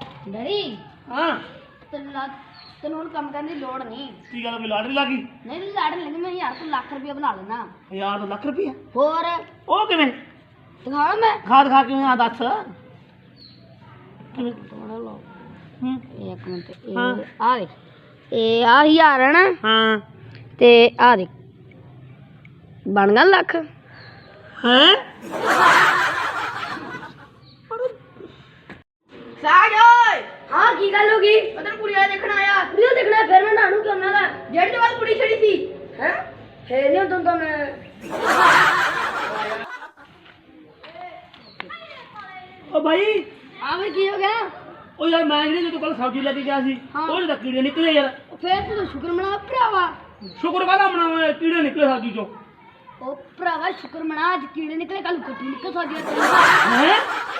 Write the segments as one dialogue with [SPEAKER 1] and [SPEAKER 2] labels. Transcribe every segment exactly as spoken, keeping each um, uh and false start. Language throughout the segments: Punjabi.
[SPEAKER 1] ਡੈਡੀ
[SPEAKER 2] ਹਾਂ
[SPEAKER 1] ਤੈਨੂੰ ਲੱਗ ਤੈਨੂੰ ਹੁਣ ਕੰਮ ਕਰਨ ਦੀ ਲੋੜ ਨਹੀਂ।
[SPEAKER 2] ਕੀ ਗੱਲ ਕੋਈ ਲਾਟਰੀ ਲੱਗੀ?
[SPEAKER 1] ਨਹੀਂ ਲੜ ਲੈਂਦੀ ਮੈਂ ਯਾਰ ਤੂੰ ਲੱਖ ਰੁਪਇਆ ਬਣਾ ਲੈਣਾ।
[SPEAKER 2] ਹਜ਼ਾਰ ਤੋਂ ਲੱਖ ਰੁਪਈਆ?
[SPEAKER 1] ਹੋਰ
[SPEAKER 2] ਉਹ ਕਿਵੇਂ?
[SPEAKER 1] ਦਿਖਾਵਾਂ ਮੈਂ?
[SPEAKER 2] ਖਾ ਦਿਖਾ ਕਿਵੇਂ ਆ ਦੱਸ ਕਿਵੇਂ?
[SPEAKER 1] ਥੋੜਾ ਲਓ
[SPEAKER 2] ਹੂੰ
[SPEAKER 1] ਇੱਕ ਮਿੰਟ
[SPEAKER 2] ਹਾਂ।
[SPEAKER 1] ਇਹ ਆ ਵੇ ਇਹ ਆ ਹਜ਼ਾਰ ਹੈ ਨਾ
[SPEAKER 2] ਹਾਂ
[SPEAKER 1] ਤੇ ਆ ਦੇ ਬਣ ਗਿਆ ਲੱਖ।
[SPEAKER 2] ਹੈ
[SPEAKER 1] ਸਾਜ ਓਏ ਹਾਂ ਕੀ ਗੱਲ ਹੋ ਗਈ? ਪਤਾ ਕੁੜੀਆਂ ਦੇਖਣ ਆਇਆ। ਕੁੜੀਆਂ ਦੇਖਣਾ ਫਿਰ ਮੈਂ ਨਾਨੂ ਕਿਉਂ ਨਾ ਜਿਹੜੀ ਵਾਰ ਕੁੜੀ ਛੜੀ ਸੀ ਹੈ ਹੈ ਨਹੀਂ ਉਦੋਂ ਤਾਂ ਮੈਂ
[SPEAKER 2] ਉਹ ਭਾਈ
[SPEAKER 1] ਆ ਵੀ ਕੀ ਹੋ ਗਿਆ?
[SPEAKER 2] ਉਹ ਯਾਰ ਮੈਂ ਜਿਹੜੀ ਤੂੰ ਕੱਲ ਸਬਜ਼ੀ ਲੈ ਕੇ ਗਿਆ ਸੀ
[SPEAKER 1] ਹਾਂ।
[SPEAKER 2] ਉਹਦੇ ਤਾਂ ਕੀੜੇ ਨਿਕਲੇ ਯਾਰ।
[SPEAKER 1] ਫੇਰ ਤੂੰ ਸ਼ੁਕਰ ਮਨਾ ਭਰਾਵਾ।
[SPEAKER 2] ਸ਼ੁਕਰ ਕਾਹਦਾ ਮਨਾਵਾਂ ਕੀੜੇ ਨਿਕਲੇ ਸਬਜ਼ੀ ਚੋਂ।
[SPEAKER 1] ਉਹ ਭਰਾਵਾ ਸ਼ੁਕਰ ਮਨਾ ਅੱਜ ਕੀੜੇ ਨਿਕਲੇ ਕੱਲ ਕੁੱਟੀ ਨਿਕਲ ਸਕਦੀ
[SPEAKER 2] ਹੈ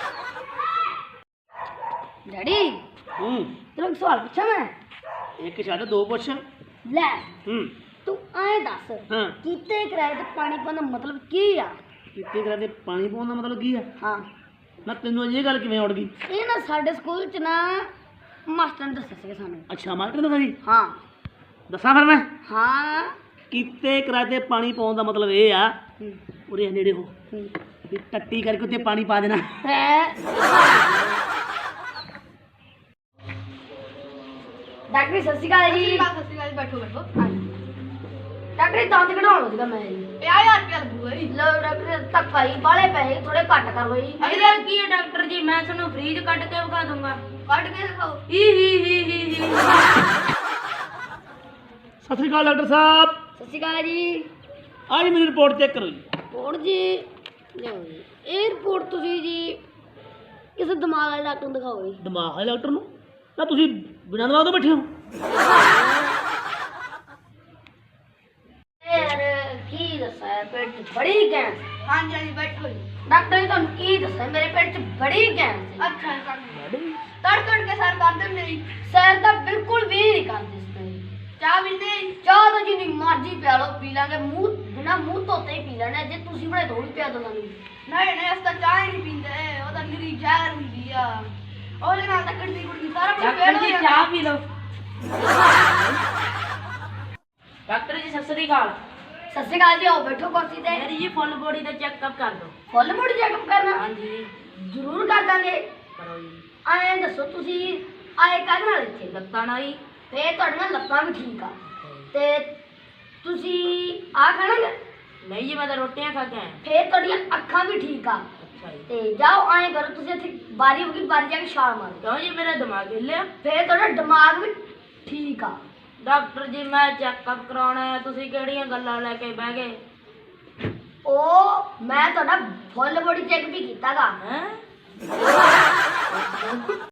[SPEAKER 1] ਡੈਡੀ
[SPEAKER 2] ਹੂੰ
[SPEAKER 1] ਤੈਨੂੰ ਇੱਕ ਸਵਾਲ ਪੁੱਛਾਂ ਮੈਂ?
[SPEAKER 2] ਇੱਕ ਛੱਡ ਦੋ ਪੁੱਛ।
[SPEAKER 1] ਲੈ
[SPEAKER 2] ਹੂੰ
[SPEAKER 1] ਤੂੰ ਐਂ ਦੱਸ
[SPEAKER 2] ਹਾਂ
[SPEAKER 1] ਕੀਤੇ ਕਿਰਾਏ ਤੇ ਪਾਣੀ ਪਾਉਣ ਦਾ ਮਤਲਬ ਕੀ ਆ?
[SPEAKER 2] ਕਿਤੇ ਕਰਾ ਦੇ ਪਾਣੀ ਪਾਉਣ ਦਾ ਮਤਲਬ ਕੀ ਆ?
[SPEAKER 1] ਹਾਂ
[SPEAKER 2] ਨਾ ਤੈਨੂੰ ਅਜੇ ਇਹ ਗੱਲ ਕਿਵੇਂ ਉੜ ਗਈ?
[SPEAKER 1] ਇਹ ਨਾ ਸਾਡੇ ਸਕੂਲ ਚ ਨਾ ਮਾਸਟਰ ਨੇ ਦੱਸਿਆ ਸੀਗਾ ਸਾਨੂੰ।
[SPEAKER 2] ਅੱਛਾ ਮਾਸਟਰ ਨੇ ਜੀ
[SPEAKER 1] ਹਾਂ
[SPEAKER 2] ਦੱਸਾਂ ਫਿਰ ਮੈਂ?
[SPEAKER 1] ਹਾਂ
[SPEAKER 2] ਕੀਤੇ ਕਰਾ ਦੇ ਪਾਣੀ ਪਾਉਣ ਦਾ ਮਤਲਬ ਇਹ ਆ
[SPEAKER 1] ਹੂੰ,
[SPEAKER 2] ਉਰੇ ਨੇੜੇ ਹੋ
[SPEAKER 1] ਹੂੰ।
[SPEAKER 2] ਵੀ ਟੱਟੀ ਕਰਕੇ ਉੱਤੇ ਪਾਣੀ ਪਾ ਦੇਣਾ।
[SPEAKER 1] ਹੈ ਡਾਕਟਰ ਸਤਿ ਸ਼੍ਰੀ ਅਕਾਲ ਜੀ।
[SPEAKER 3] ਸਤਿ ਸ਼੍ਰੀ ਅਕਾਲ, ਬੈਠੋ ਬੈਠੋ।
[SPEAKER 1] ਡਾਕਟਰ ਦੰਦ ਕਢਾਉਣਾ ਸੀਗਾ ਮੈਂ ਜੀ।
[SPEAKER 3] ਪੰਜਾਹ ਹਜ਼ਾਰ ਰੁਪਇਆ ਲੱਗੂਗਾ ਜੀ।
[SPEAKER 1] ਲੋ ਡਾਕਟਰ ਧੱਕਾ ਜੀ ਬਾਲੇ ਪੈਸੇ ਥੋੜੇ ਘੱਟ ਕਰ ਲਓ ਜੀ।
[SPEAKER 3] ਇਹਦਾ ਕੀ ਹੈ ਡਾਕਟਰ ਜੀ, ਮੈਂ ਤੁਹਾਨੂੰ ਫ੍ਰੀਜ ਕੱਢ ਕੇ ਵਿਖਾ ਦੂੰਗਾ। ਕੱਢ ਕੇ ਦਿਖਾਓ। ਹੀ ਹੀ ਹੀ ਹੀ ਹੀ
[SPEAKER 2] ਸਤਿ ਸ਼੍ਰੀ ਅਕਾਲ ਡਾਕਟਰ ਸਾਹਿਬ।
[SPEAKER 1] ਸਤਿ ਸ਼੍ਰੀ ਅਕਾਲ ਜੀ।
[SPEAKER 2] ਆਹ ਜੀ ਮੇਰੀ ਰਿਪੋਰਟ ਚੈੱਕ ਕਰੋ ਜੀ।
[SPEAKER 1] ਰਿਪੋਰਟ ਜੀ ਲਿਆਓ ਜੀ। ਇਹ ਰਿਪੋਰਟ ਤੁਸੀਂ ਜੀ ਕਿਸੇ ਦਿਮਾਗ ਵਾਲੇ ਡਾਕਟਰ ਨੂੰ ਦਿਖਾਓ ਜੀ।
[SPEAKER 2] ਦਿਮਾਗ ਵਾਲੇ ਡਾਕਟਰ ਨੂੰ? ਨਾ ਤੁਸੀਂ ਬਿਨਾਂ ਦਿਮਾਗ ਤੋਂ ਬੈਠੇ ਹੋ?
[SPEAKER 1] ਯਾਰ ਕੀ ਦੱਸਾਂ ਪੇਟ 'ਚ ਬੜੀ ਗੈਸ।
[SPEAKER 3] ਹਾਂਜੀ ਹਾਂਜੀ ਬੈਠੋ ਜੀ।
[SPEAKER 1] ਡਾਕਟਰ ਜੀ ਤੁਹਾਨੂੰ ਕੀ ਦੱਸਾਂ ਮੇਰੇ ਪੇਟ 'ਚ ਬੜੀ ਗੈਸ ਹੈ।
[SPEAKER 3] ਅੱਛਾ ਕਰ ਤੜ ਤੜ ਕੇ ਸਰ ਕਰ ਦਿੰਦੇ ਜੀ।
[SPEAKER 1] ਸੈਰ ਤਾਂ ਬਿਲਕੁਲ ਵੀ ਨਹੀਂ ਕਰਦੇ ਇਸ ਤਰ੍ਹਾਂ ਜੀ।
[SPEAKER 3] ਚਾਹ ਪੀਂਦੇ ਜੀ?
[SPEAKER 1] ਚਾਹ ਤਾਂ ਜਿੰਨੀ ਮਰਜ਼ੀ ਪਿਆ ਲਓ ਪੀ ਲਾਂਗੇ, ਮੂੰਹ ਬਿਨਾਂ ਮੂੰਹ ਧੋਤੇ ਹੀ ਪੀ ਲੈਣਾ। ਜੇ ਤੁਸੀਂ ਬੜੇ ਥੋੜੀ ਪਿਆ ਦੋ ਸਾਨੂੰ।
[SPEAKER 3] ਨਹੀਂ ਨਹੀਂ ਅਸੀਂ ਤਾਂ ਚਾਹ ਹੀ ਨਹੀਂ ਪੀਂਦੇ, ਉਹ ਤਾਂ ਨਿਰੀ ਜ਼ਹਿਰ ਹੁੰਦੀ ਆ। ਉਹਦੇ ਨਾਲ ਤਾਂ ਕੁੜਦੀ ਕੁੜਦੀ ਸਾਰਾ ਕੁਝ ਫੇਲ ਹੋ ਜਾਂਦਾ।
[SPEAKER 4] ਚਾਹ ਪੀ ਲਓ। ਡਾਕਟਰ ਜੀ ਸਤਿ ਸ੍ਰੀ ਅਕਾਲ।
[SPEAKER 1] ਸਤਿ ਸ਼੍ਰੀ ਅਕਾਲ ਜੀ। ਆਓ ਬੈਠੋ ਕੁਰਸੀ ਤੇ।
[SPEAKER 4] ਮੇਰੀ ਜੀ ਫੁੱਲ ਬੋਡੀ ਦਾ ਚੈੱਕਅਪ ਕਰ ਦਿਓ।
[SPEAKER 1] ਫੁੱਲ ਬੋਡੀ ਚੈੱਕਅਪ ਕਰਨਾ?
[SPEAKER 4] ਹਾਂਜੀ
[SPEAKER 1] ਜ਼ਰੂਰ ਕਰ ਦਾਂਗੇ।
[SPEAKER 4] ਕਰੋ ਜੀ।
[SPEAKER 1] ਐਂ ਦੱਸੋ ਤੁਸੀਂ ਆਏ ਕਾਹਦੇ ਨਾਲ ਇੱਥੇ?
[SPEAKER 4] ਲੱਤਾਂ ਨਾਲ ਹੀ।
[SPEAKER 1] ਫੇਰ ਤੁਹਾਡੀਆਂ ਲੱਤਾਂ ਵੀ ਠੀਕ ਆ ਤੇ ਤੁਸੀਂ ਆ ਖਾਣਾਗੇ?
[SPEAKER 4] ਨਹੀਂ ਜੀ ਮੈਂ ਤਾਂ ਰੋਟੀਆਂ ਖਾ ਕੇ ਆਇਆ।
[SPEAKER 1] ਫੇਰ ਤੁਹਾਡੀਆਂ ਅੱਖਾਂ ਵੀ ਠੀਕ ਆ
[SPEAKER 4] ਅੱਛਾ ਜੀ।
[SPEAKER 1] ਤੇ ਜਾਓ ਐਂ ਕਰੋ ਤੁਸੀਂ ਇੱਥੇ ਬਾਰੀ ਹੋ ਗਈ, ਬਾਰੀ ਜਾ ਕੇ ਛਾਲ ਮਾਰੋ।
[SPEAKER 4] ਕਿਉਂ ਜੀ ਮੇਰਾ ਦਿਮਾਗ ਹਿੱਲਿਆ?
[SPEAKER 1] ਫੇਰ ਤੁਹਾਡਾ ਦਿਮਾਗ ਵੀ ਠੀਕ ਆ।
[SPEAKER 4] ਡਾਕਟਰ ਜੀ ਮੈਂ ਚੈੱਕਅਪ ਕਰਾਉਣਾ ਹੈ, ਤੁਸੀਂ ਕਿਹੜੀਆਂ ਗੱਲਾਂ ਲੈ ਕੇ ਬਹਿ ਗਏ?
[SPEAKER 1] ਉਹ ਮੈਂ ਤੁਹਾਡਾ ਫੁੱਲ ਬੋਡੀ ਚੈੱਕ ਵੀ ਕੀਤਾਗਾ।
[SPEAKER 4] ਹੈ